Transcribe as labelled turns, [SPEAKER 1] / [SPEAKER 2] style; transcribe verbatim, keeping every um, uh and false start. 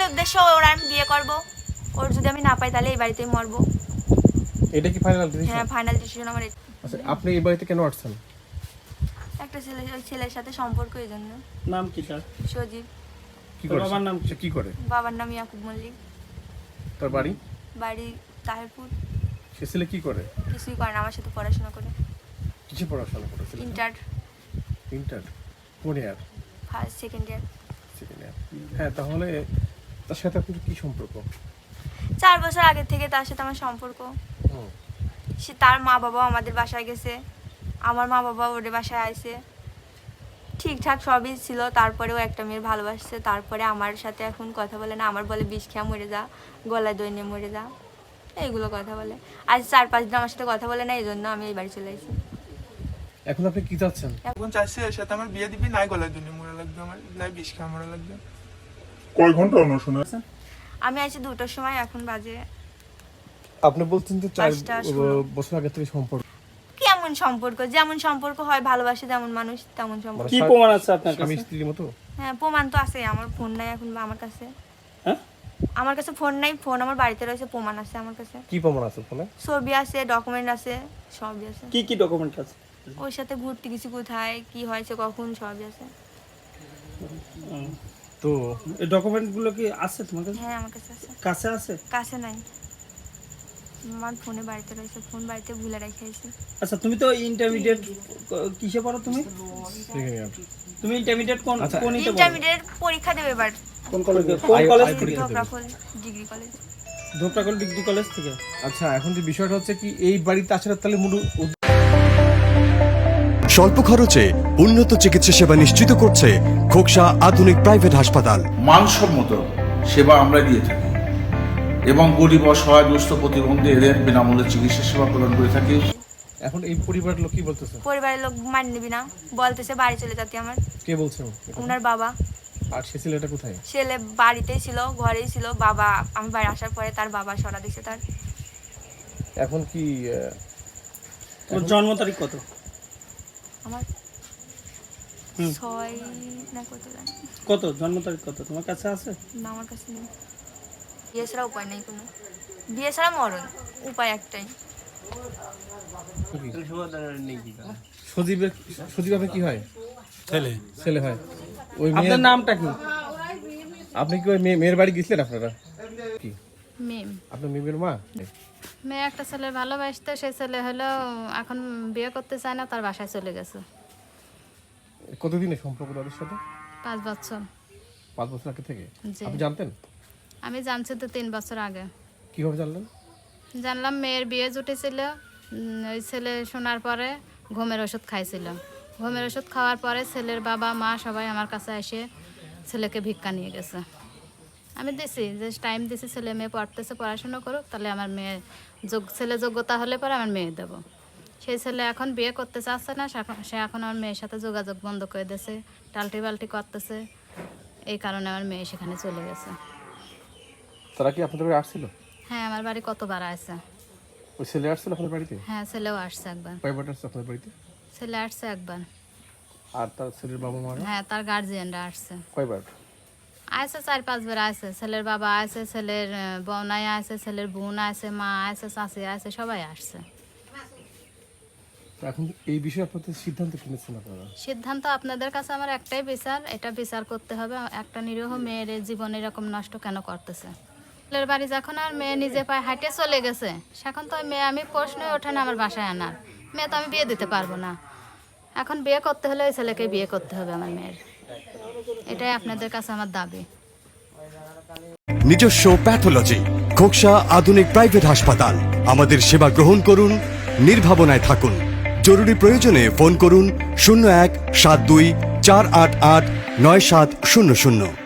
[SPEAKER 1] উদ্দেশ্য ওর আমি বিয়ে করব, ওর যদি আমি না পাই তাহলে এই বাড়িতেই মরবো।
[SPEAKER 2] এটা কি ফাইনাল ডিসিশন?
[SPEAKER 1] হ্যাঁ, ফাইনাল ডিসিশন আমার।
[SPEAKER 2] আচ্ছা, আপনি এই বাড়িতে কেন আসছেন?
[SPEAKER 1] একটা ছেলে, ওই ছেলের সাথে সম্পর্ক, এই জন্য।
[SPEAKER 3] নাম কি তার?
[SPEAKER 1] সজীব।
[SPEAKER 2] কি করে?
[SPEAKER 3] বাবার নাম
[SPEAKER 2] সে কি করে?
[SPEAKER 1] বাবার নাম ইয়াকুব মল্লিক।
[SPEAKER 2] তার বাড়ি?
[SPEAKER 1] বাড়ি তাহিরপুর।
[SPEAKER 2] সে ছেলে কি করে?
[SPEAKER 1] কিছুই করে না, আমার সাথে পড়াশোনা করে।
[SPEAKER 2] কিসে পড়াশোনা করেছে?
[SPEAKER 1] ইন্টার।
[SPEAKER 2] ইন্টার কোন year?
[SPEAKER 1] First second year.
[SPEAKER 2] Second year. হ্যাঁ, তাহলে তার সাথে আপনার কি সম্পর্ক?
[SPEAKER 1] চার বছর আগে থেকে তার সাথে আমার সম্পর্ক।
[SPEAKER 2] হুম।
[SPEAKER 1] সে, তার মা বাবা আমাদের বাসায় গেছে, আমার মা বাবা ওদের বাসায় আইছে, ঠিকঠাক সবই ছিল। তারপরেও একটা মেয়ের ভালোবাসছে, তারপরে আমার সাথে এখন কথা বলে না, আমার বলে বিষ খেয়া মরে যা, গলায় দই নিয়ে মরে যা, এইগুলো কথা বলে। আজ চার পাঁচ দিন আমার সাথে কথা বলে না, এই জন্য আমি এই বাড়ি চলে আসি।
[SPEAKER 2] এখন আপনি কি চাচ্ছেন?
[SPEAKER 4] এখন চাইছি এর সাথে আমার বিয়ে দিবি, নাই গলায় দই নিয়ে মরে লাগবে, আমার নাই বিষ খেয়া মরে লাগবে।
[SPEAKER 5] কয় ঘন্টা অনশনে আছেন?
[SPEAKER 1] আমি আছি দুটোর সময়, এখন বাজে।
[SPEAKER 2] আপনি বলছেন যে চার
[SPEAKER 1] পাঁচটা ষোলো।
[SPEAKER 2] বছর আগে থেকে সম্পর্ক।
[SPEAKER 1] কেমন সম্পর্ক? যেমন সম্পর্ক হয়, ভালোবাসে যেমন মানুষ তেমন সম্পর্ক।
[SPEAKER 3] কি প্রমাণ আছে আপনার
[SPEAKER 2] স্বামী
[SPEAKER 3] কাছে?
[SPEAKER 2] স্ত্রীর মতো?
[SPEAKER 1] হ্যাঁ, প্রমাণ তো আছে। আমার ফোন নাই এখন আমার কাছে।
[SPEAKER 3] হ্যাঁ?
[SPEAKER 1] আমার কাছে ফোন নাই, ফোন আমার বাড়িতে রয়েছে, প্রমাণ আছে আমার কাছে।
[SPEAKER 2] কি প্রমাণ আছে ফোনে?
[SPEAKER 1] ছবি আছে, ডকুমেন্ট আছে, সবই আছে।
[SPEAKER 3] কি কি ডকুমেন্ট আছে?
[SPEAKER 1] ওর সাথে ঘুরতে গেছি, কোথায় কি হয়েছে কখন, সবই আছে।
[SPEAKER 3] হুম।
[SPEAKER 2] তো
[SPEAKER 3] এই ডকুমেন্ট গুলো কি আছে তোমার কাছে?
[SPEAKER 1] হ্যাঁ, আমার কাছে আছে।
[SPEAKER 3] কাছে আছে?
[SPEAKER 1] কাছে নাই, আমার ফোনে বাড়িতে রয়েছে, ফোন বাড়িতে ভুলে রেখে এসেছি।
[SPEAKER 3] আচ্ছা, তুমি তো ইন্টারমিডিয়েট কিসে পড়ো তুমি?
[SPEAKER 2] Second year.
[SPEAKER 3] তুমি ইন্টারমিডিয়েট কোন
[SPEAKER 2] আচ্ছা,
[SPEAKER 3] কোন ইতে পড়ো?
[SPEAKER 1] ইন্টারমিডিয়েট পরীক্ষা দেবে এবার।
[SPEAKER 3] কোন কলেজে? কোন
[SPEAKER 2] আই-
[SPEAKER 3] কলেজ
[SPEAKER 2] আই
[SPEAKER 3] থেকে?
[SPEAKER 2] পরীক্ষা দেবে।
[SPEAKER 1] ধোকরাফল ডিগ্রি কলেজ।
[SPEAKER 3] ধোপরাকল ডিগ্রি কলেজ থেকে।
[SPEAKER 2] আচ্ছা, এখন যে বিষয়টা হচ্ছে কি, এই বাড়িতে আসার তাহলে মূল উদ্দেশ্য
[SPEAKER 6] স্বল্প খরচে উন্নত চিকিৎসা সেবা নিশ্চিত করছে খোকসা আধুনিক প্রাইভেট হাসপাতাল।
[SPEAKER 7] মানসম্মত সেবা আমরা দিয়ে থাকি এবং গরিব অসহায় দুস্থ প্রতিবন্ধী এদের বিনামূল্যে চিকিৎসা সেবা প্রদান করে থাকি।
[SPEAKER 2] এখন এই পরিবারের লোক কি বলতেছে?
[SPEAKER 1] পরিবারের লোক মান নিবি না, বলতেছে বাড়ি চলে যেতে আমার।
[SPEAKER 2] কে বলছে?
[SPEAKER 1] ওনার বাবা।
[SPEAKER 2] আর সে ছেলেটা কোথায়?
[SPEAKER 1] ছেলে বাড়িতেই ছিল, ঘরেই ছিল। বাবা, আমি বাড়ি আসার পরে তার বাবা সরা দিছে তার।
[SPEAKER 2] এখন কি আহ,
[SPEAKER 3] ওর জন্ম তারিখ কত?
[SPEAKER 1] আমার
[SPEAKER 3] হুম।
[SPEAKER 1] ছয় না কত জানি
[SPEAKER 3] কত জন্ম তারিখ কত তোমার কাছে আছে?
[SPEAKER 1] না, আমার কাছে নেই। বিয়ে ছাড়া উপায় নেই কোনো, বিয়ে ছাড়া মরণ, উপায় একটাই।
[SPEAKER 2] সজীবের সজীব আপনার কি হয়?
[SPEAKER 8] ছেলে।
[SPEAKER 2] ছেলে হয়। ওই
[SPEAKER 3] আপনার
[SPEAKER 2] মেয়ের
[SPEAKER 3] নামটা কি?
[SPEAKER 2] আপনি কি ওই মেয়ে- মেয়ের বাড়ি গেছিলেন আপনারা? কি
[SPEAKER 9] মেম
[SPEAKER 2] আপনার মেয়ের মা?
[SPEAKER 9] মেয়ে একটা ছেলের ভালোবাসতে, সেই ছেলে হলো এখন বিয়ে করতে চায় না, তার বাসায় চলে গেছে।
[SPEAKER 2] কতদিনের সম্পর্ক তাদের সাথে?
[SPEAKER 9] পাঁচ বছর।
[SPEAKER 2] পাঁচ বছর আগে থেকে?
[SPEAKER 9] জি।
[SPEAKER 2] আপনি জানতেন?
[SPEAKER 9] আমি জানছি তো তিন বছর আগে।
[SPEAKER 2] কিভাবে জানলেন?
[SPEAKER 9] জানলাম মেয়ের বিয়ে জুটেছিল, উম, ওই ছেলে শোনার পরে ঘুমের ওষুধ খাইছিল। ঘুমের ওষুধ খাওয়ার পরে ছেলের বাবা মা সবাই আমার কাছে এসে ছেলেকে ভিক্ষা নিয়ে গেছে। আমি দিছি যে টাইম দিছি, ছেলে মেয়ে পড়তেছে, পড়াশোনা করুক, তাহলে আমার মেয়ে যোগ ছেলে যোগ্যতা হলে পরে আমার মেয়ে দেবো। সেই ছেলে এখন বিয়ে করতে চাচ্ছে না, সে এখন- সে এখন আমার মেয়ের সাথে যোগাযোগ বন্ধ করে দিয়েছে, টাল্টি বাল্টি করতেছে। এই কারণে আমার মেয়ে সেখানে চলে গেছে।
[SPEAKER 2] তারা কি আপনাদের বাড়ি আসছিল?
[SPEAKER 9] হ্যাঁ, আমার বাড়ি কতবার আসছে।
[SPEAKER 2] ওই ছেলে আসছিল আপনার বাড়িতে?
[SPEAKER 9] হ্যাঁ, ছেলেও আসছে একবার।
[SPEAKER 2] কয়বার আসছে আপনার বাড়িতে?
[SPEAKER 9] ছেলে আসছে একবার।
[SPEAKER 2] আর তার ছেলের বাবা মা
[SPEAKER 9] হ্যাঁ, তার গার্জিয়ানরা আসছে।
[SPEAKER 2] কয়বার?
[SPEAKER 9] আসছে চার পাঁচবার আসছে। ছেলের বাবা আছে, ছেলের বনাই আছে, ছেলের বোন আছে, মা আছে, চাষি আছে, সবাই আসছে।
[SPEAKER 2] তো এখন এই বিষয়ে আপনাদের সিদ্ধান্ত কি নিচ্ছেন আপনারা?
[SPEAKER 9] সিদ্ধান্ত আপনাদের কাছে আমার একটাই বিচার, এটা বিচার করতে হবে। একটা নিরীহ মেয়ের জীবন এরকম নষ্ট কেন করতেছে? ছেলের বাড়ি যখন আর মেয়ে নিজে পায়ে হাঁটে চলে গেছে, সেখন তো ওই মেয়ে আমি প্রশ্নই ওঠে না আমার বাসায় আনার। মেয়ে তো আমি বিয়ে দিতে পারবো না। এখন বিয়ে করতে হলে ওই ছেলেকে বিয়ে করতে হবে আমার মেয়ের। এটাই আপনাদের কাছে আমার দাবি।
[SPEAKER 6] নিজস্ব প্যাথোলজি খোকসা আধুনিক প্রাইভেট হাসপাতাল। আমাদের সেবা গ্রহণ করুন, নির্ভাবনায় থাকুন। জরুরি প্রয়োজনে ফোন করুন শূন্য এক সাত দুই চার আট আট নয় সাত শূন্য শূন্য।